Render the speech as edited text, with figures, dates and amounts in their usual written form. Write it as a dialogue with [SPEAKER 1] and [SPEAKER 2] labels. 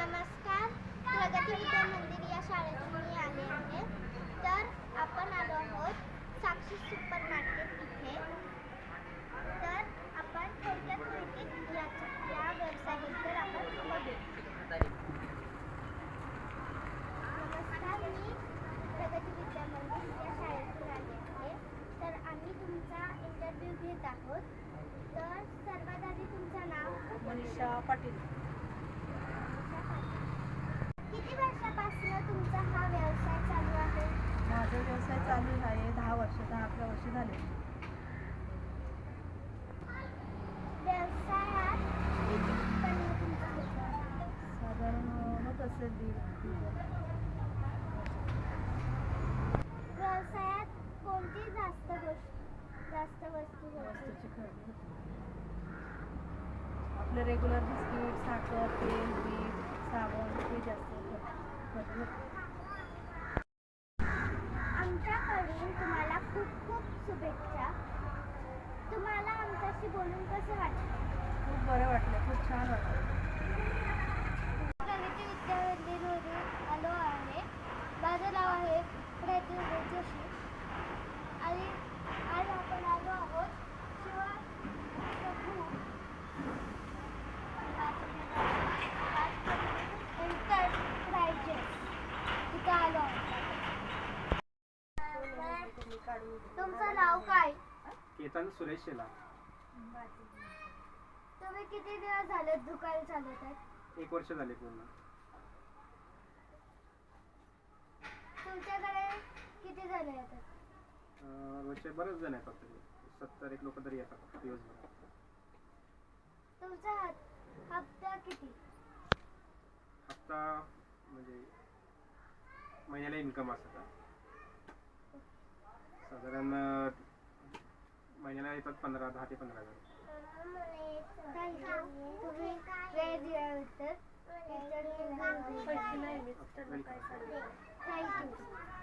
[SPEAKER 1] नमस्कार. प्रगती विद्या मंदिर या शाळेतून मी आले आहे. तर आपण आलो आहोत साक्षी सुपर मार्केट इथे. तर आपण थोडक्यात माहिती या व्यवसायाबद्दल आपण बघू. नमस्कार, मी प्रगती विद्या मंदिर या शाळेतून आले आहे. तर आम्ही तुमचा इंटरव्ह्यू घेत आहोत. तर सर्वात आधी तुमचं नाव?
[SPEAKER 2] मनीषा पाटील.
[SPEAKER 1] किती वर्षापासून तुमचा हा व्यवसाय चालू आहे?
[SPEAKER 2] माझा व्यवसाय चालू आहे 10-11 वर्ष झाले.
[SPEAKER 1] व्यवसायात किती उत्पन्न तुमचं होतं?
[SPEAKER 2] साधारण होत असेल 1.5.
[SPEAKER 1] व्यवसायात कोणती जास्त वस्तू होते?
[SPEAKER 2] वस्तूची खरेदी होते. आपले रेग्युलर बिस्किट, साखर, तेल, मीठ, साबण हे जास्त खरेदी होते.
[SPEAKER 1] आमच्याकडून तुम्हाला खूप खूप शुभेच्छा. तुम्हाला आमच्याशी बोलून कसं वाटलं?
[SPEAKER 2] खूप बरं वाटलं, खूप छान वाटलं.
[SPEAKER 1] प्रगती विद्या मंदिरवरून आलो आहे. माझं नाव आहे प्रज्वल जोशी आणि आज आपण आलो आहोत इथं आलो आहोत. तुमचं नाव काय?
[SPEAKER 3] केतन सुरेश शेला.
[SPEAKER 1] तुम्ही किती दिवस झाले दुकान चालवत आहेत?
[SPEAKER 3] 1 वर्ष झाले पूर्ण.
[SPEAKER 1] तुमच्याकडे किती जण येतात?
[SPEAKER 3] रोजचे बरेच जण येतात, 70-1 लोक तरी येतात दिवसभर.
[SPEAKER 1] तुमचा हप्ता किती?
[SPEAKER 3] हप्ता म्हणजे महिन्याला इन्कम असतं. साधारण महिन्याला येतात 10 ते 15 हजार.
[SPEAKER 1] तुम्ही वेळ दिल्याबद्दल थँक्यू.